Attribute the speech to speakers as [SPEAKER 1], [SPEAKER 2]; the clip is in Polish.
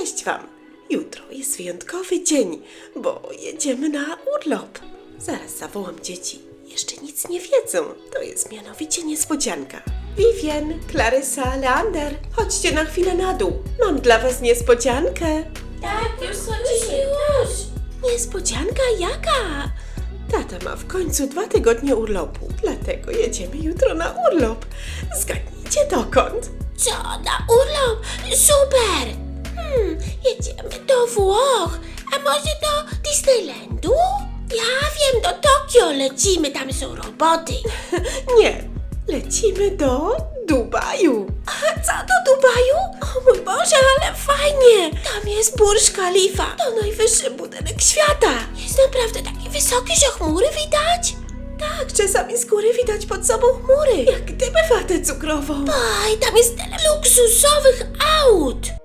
[SPEAKER 1] Cześć wam! Jutro jest wyjątkowy dzień, bo jedziemy na urlop. Zaraz zawołam dzieci. Jeszcze nic nie wiedzą. To jest mianowicie niespodzianka. Vivian, Klarysa, Leander, chodźcie na chwilę na dół. Mam dla was niespodziankę.
[SPEAKER 2] Tak, już chodzimy, już.
[SPEAKER 1] Niespodzianka jaka? Tata ma w końcu 2 tygodnie urlopu, dlatego jedziemy jutro na urlop. Zgadnijcie dokąd?
[SPEAKER 2] Co, na urlop? Super! Jedziemy do Włoch, a może do Disneylandu? Ja wiem, do Tokio lecimy, tam są roboty.
[SPEAKER 1] Nie, lecimy do Dubaju.
[SPEAKER 2] A co, do Dubaju? O mój Boże, ale fajnie! Tam jest Burj Khalifa, to najwyższy budynek świata. Jest naprawdę taki wysoki, że chmury widać?
[SPEAKER 1] Tak, czasami z góry widać pod sobą chmury, jak gdyby watę cukrową.
[SPEAKER 2] Oj, tam jest tyle luksusowych aut.